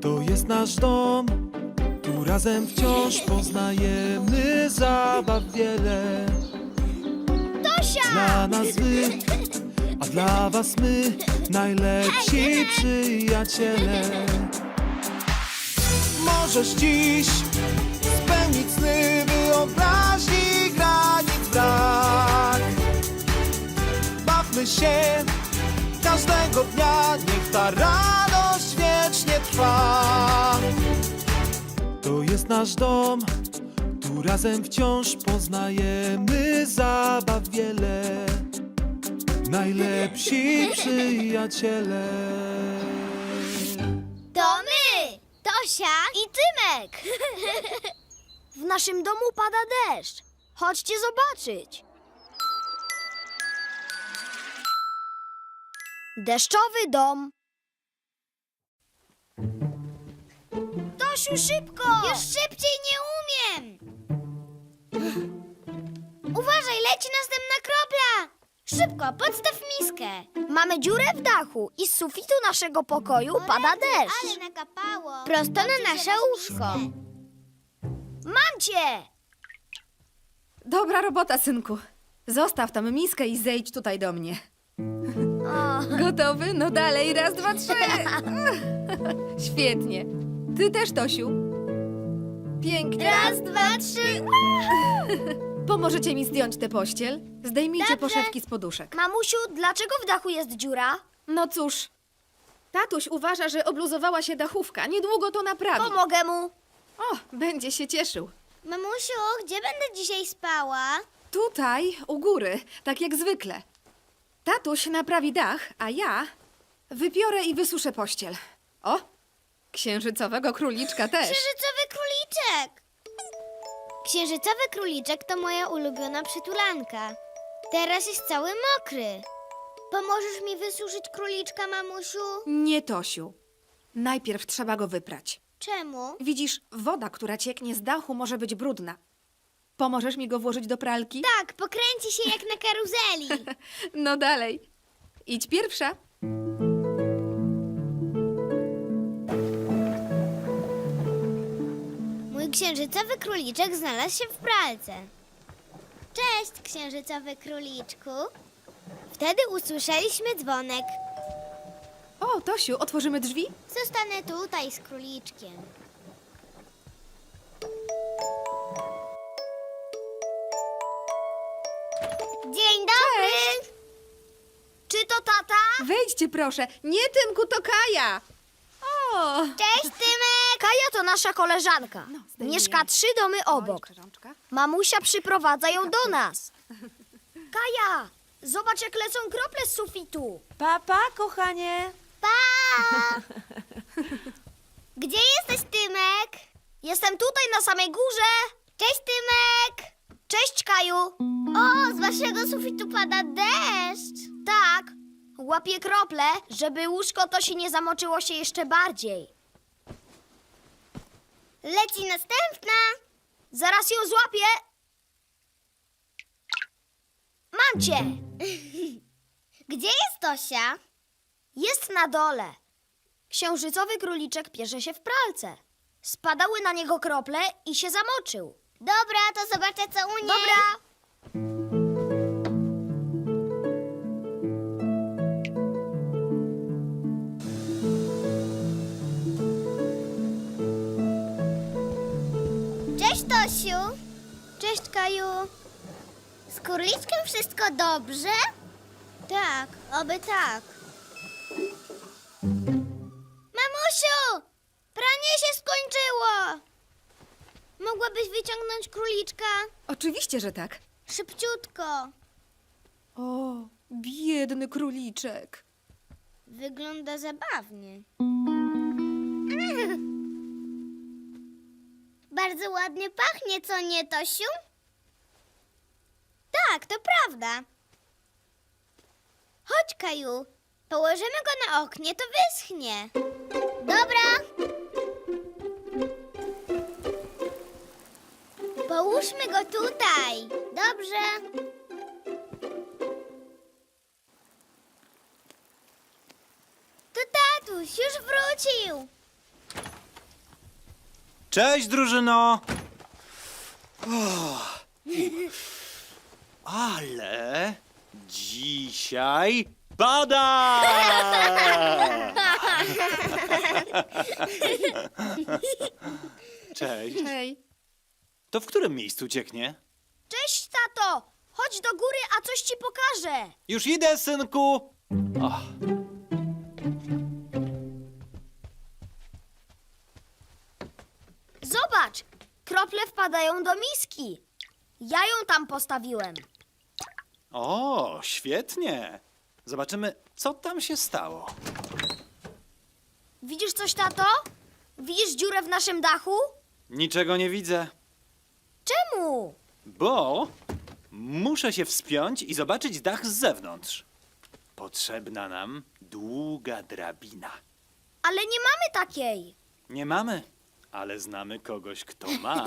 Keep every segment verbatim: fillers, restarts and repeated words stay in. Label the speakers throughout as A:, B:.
A: To jest nasz dom, tu razem wciąż poznajemy zabaw wiele.
B: Tosia!
A: Dla nas wy, a dla was my, najlepsi przyjaciele. Możesz dziś spełnić sny, wyobraźni granic brak. Bawmy się każdego dnia, niech ta radość wiecznie trwa. To jest nasz dom, tu razem wciąż poznajemy zabaw wiele. Najlepsi przyjaciele.
B: To my! Tosia i Tymek! W naszym domu pada deszcz. Chodźcie zobaczyć. Deszczowy dom. Tosiu, szybko! Już szybciej nie umiem! Uważaj, leci następna kropla! Szybko, podstaw miskę. Mamy dziurę w dachu i z sufitu naszego pokoju pada deszcz.
C: Ale nakapało.
B: Prosto na nasze łóżko. Mam cię!
D: Dobra robota, synku. Zostaw tam miskę i zejdź tutaj do mnie. Gotowy? No dalej, raz, dwa, trzy. Świetnie. Ty też, Tosiu. Pięknie.
B: Raz, dwa, trzy.
D: Pomożecie mi zdjąć tę pościel? Zdejmijcie
B: Dobrze.
D: poszewki z poduszek.
B: Mamusiu, dlaczego w dachu jest dziura?
D: No cóż, tatuś uważa, że obluzowała się dachówka. Niedługo to naprawi.
B: Pomogę mu.
D: O, będzie się cieszył.
C: Mamusiu, gdzie będę dzisiaj spała?
D: Tutaj, u góry, tak jak zwykle. Tatuś naprawi dach, a ja wypiorę i wysuszę pościel. O, księżycowego króliczka też.
C: Księżycowy króliczek. Księżycowy króliczek to moja ulubiona przytulanka. Teraz jest cały mokry. Pomożesz mi wysuszyć króliczka, mamusiu?
D: Nie, Tosiu. Najpierw trzeba go wyprać.
C: Czemu?
D: Widzisz, woda, która cieknie z dachu, może być brudna. Pomożesz mi go włożyć do pralki?
C: Tak, pokręci się jak na karuzeli.
D: No dalej. Idź pierwsza.
C: Mój księżycowy króliczek znalazł się w pralce. Cześć, księżycowy króliczku. Wtedy usłyszeliśmy dzwonek.
D: O, Tosiu, otworzymy drzwi?
C: Zostanę tutaj z króliczkiem. Dzień dobry!
B: Czy to tata?
D: Wejdźcie proszę. Nie, Tymku, to Kaja. O!
C: Cześć, Tymek!
B: Kaja to nasza koleżanka.
D: No, zdejmujemy.
B: Mieszka trzy domy obok.
D: Oj, rączka.
B: Mamusia przyprowadza ją do nas. Kaja, zobacz jak lecą krople z sufitu.
E: Papa, kochanie.
C: Pa! Gdzie jesteś, Tymek?
B: Jestem tutaj na samej górze.
C: Cześć, Tymek!
B: Cześć, Kaju.
C: O, z waszego sufitu pada deszcz.
B: Tak, łapię krople, żeby łóżko to się nie zamoczyło się jeszcze bardziej.
C: Leci następna.
B: Zaraz ją złapię. Mam cię.
C: Gdzie jest Tosia?
B: Jest na dole. Księżycowy króliczek pierze się w pralce. Spadały na niego krople i się zamoczył.
C: Dobra, to zobaczę, co u niej.
B: Dobra.
C: Cześć, Tosiu. Cześć, Kaju. Z króliczkiem wszystko dobrze? Tak, oby tak. Mamusiu! Pranie się skończyło! Mogłabyś wyciągnąć króliczka?
D: Oczywiście, że tak.
C: Szybciutko.
D: O, biedny króliczek.
C: Wygląda zabawnie. Bardzo ładnie pachnie, co nie, Tosiu? Tak, to prawda. Chodź, Kaju. Położymy go na oknie, to wyschnie. Dobra. Połóżmy go tutaj. Dobrze. To tatuś już wrócił.
F: Cześć, drużyno! O, ale dzisiaj pada! Cześć.
D: Hej.
F: To w którym miejscu cieknie?
B: Cześć, tato! Chodź do góry, a coś ci pokażę.
F: Już idę, synku! O,
B: Zobacz, krople wpadają do miski. Ja ją tam postawiłem.
F: o, świetnie! Zobaczymy, co tam się stało.
B: Widzisz coś, tato? Widzisz dziurę w naszym dachu?
F: Niczego nie widzę,
B: Czemu?
F: bo muszę się wspiąć i zobaczyć dach z zewnątrz. Potrzebna nam długa drabina.
B: Ale nie mamy takiej.
F: Nie mamy, ale znamy kogoś, kto ma.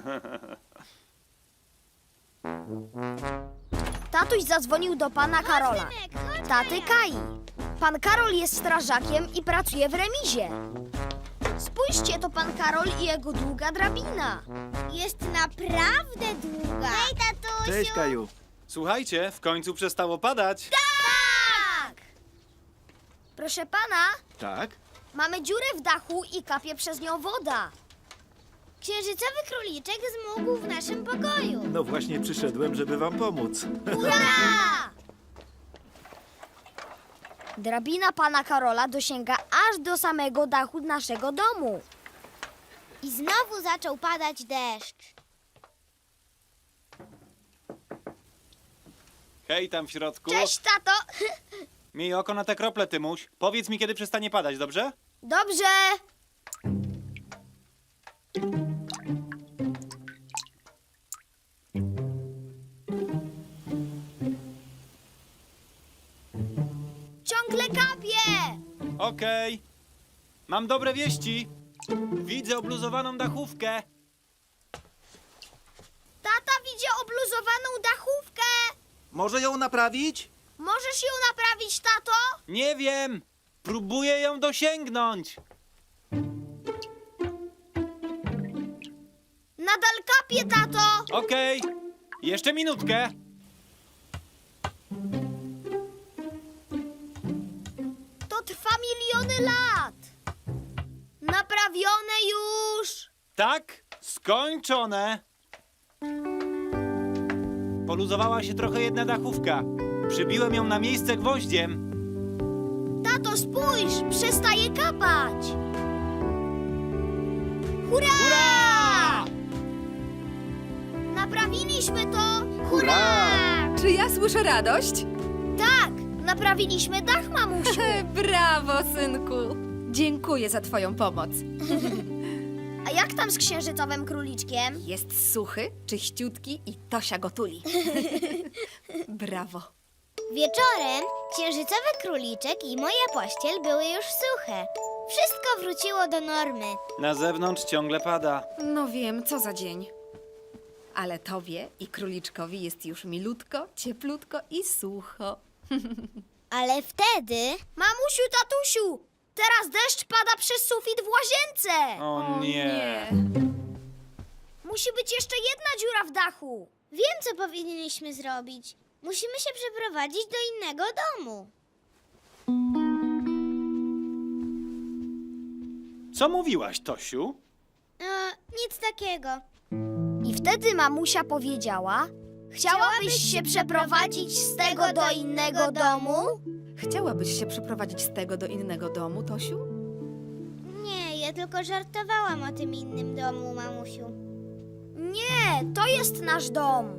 B: Tatuś zadzwonił do pana Karola. Taty Kai. Pan Karol jest strażakiem i pracuje w remizie. Spójrzcie, to pan Karol i jego długa drabina.
C: Jest naprawdę długa. Hej, tatusiu!
A: Cześć, Kaju.
F: Słuchajcie, w końcu przestało padać.
B: Tak! Proszę pana,
A: Tak?
B: mamy dziurę w dachu i kapie przez nią woda.
C: Księżycowy króliczek zmógł w naszym pokoju.
A: No właśnie przyszedłem, żeby wam pomóc.
B: Hurra! Drabina pana Karola dosięga aż do samego dachu naszego domu.
C: I znowu zaczął padać deszcz.
F: Hej, tam w środku.
B: Cześć, tato!
F: Miej oko na te krople, Tymuś. Powiedz mi, kiedy przestanie padać, dobrze?
B: Dobrze. Ciągle kapie!
F: Okej. Mam dobre wieści. Widzę obluzowaną dachówkę.
B: Tata widzi obluzowaną dachówkę.
A: Może ją naprawić?
B: Możesz ją naprawić, tato?
F: Nie wiem. Próbuję ją dosięgnąć.
B: Nadal kapie, tato.
F: Okej. Jeszcze minutkę.
B: To trwa miliony lat. Naprawione już.
F: Tak, skończone. Poluzowała się trochę jedna dachówka. Przybiłem ją na miejsce gwoździem.
B: Tato, spójrz, przestaje kapać. Hurra!
F: Hurra!
B: Naprawiliśmy to.
F: Hurra!
D: Czy ja słyszę radość?
B: Tak, naprawiliśmy dach, mamusiu.
D: Brawo, synku. Dziękuję za twoją pomoc.
B: A jak tam z księżycowym króliczkiem?
D: Jest suchy, czyściutki i Tosia go tuli. Brawo.
C: Wieczorem księżycowy króliczek i moja pościel były już suche. Wszystko wróciło do normy.
F: Na zewnątrz ciągle pada.
D: No wiem, co za dzień. Ale tobie i króliczkowi jest już milutko, cieplutko i sucho.
C: Ale wtedy
B: Mamusiu, tatusiu, teraz deszcz pada przez sufit w łazience.
F: O nie.
B: Musi być jeszcze jedna dziura w dachu.
C: wiem, co powinniśmy zrobić. Musimy się przeprowadzić do innego domu.
F: Co mówiłaś, Tosiu?
C: E, nic takiego.
B: I wtedy mamusia powiedziała: Chciałabyś się przeprowadzić z tego do innego domu?
D: Chciałabyś się przeprowadzić z tego do innego domu, Tosiu?
C: Nie, ja tylko żartowałam o tym innym domu, mamusiu.
B: Nie, to jest nasz dom.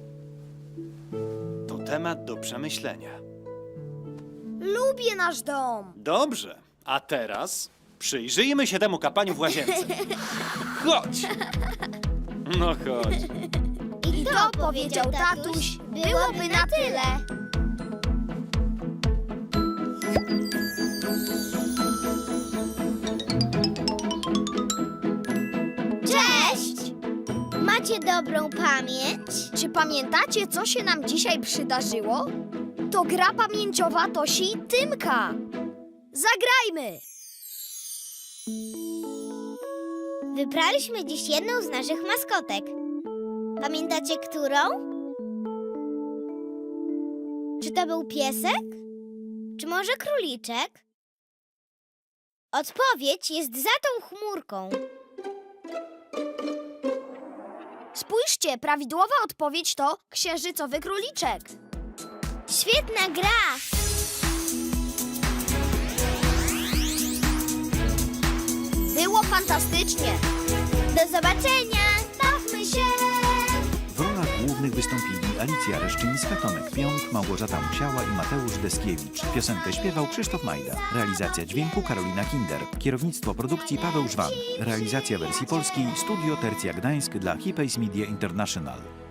F: To temat do przemyślenia.
B: Lubię nasz dom.
F: Dobrze, a teraz przyjrzyjmy się temu kapaniu w łazience. Chodź! No chodź.
B: I to, powiedział tatuś, byłoby na tyle.
C: Cześć! Macie dobrą pamięć?
B: Czy pamiętacie, co się nam dzisiaj przydarzyło? To gra pamięciowa Tosi i Tymka. Zagrajmy!
C: Wybraliśmy dziś jedną z naszych maskotek. Pamiętacie, którą? Czy to był piesek? Czy może króliczek? Odpowiedź jest za tą chmurką.
B: Spójrzcie, prawidłowa odpowiedź to księżycowy króliczek.
C: Świetna gra!
B: Było fantastycznie.
C: Do zobaczenia! Bawmy się!
G: W rolach głównych wystąpili Alicja Reszczyńska, Tomek Pionk, Małgorzata Musiała i Mateusz Deskiewicz. Piosenkę śpiewał Krzysztof Majda. Realizacja dźwięku Karolina Kinder. Kierownictwo produkcji Paweł Żwan. Realizacja wersji polskiej Studio Tercja Gdańsk dla Hipays Media International.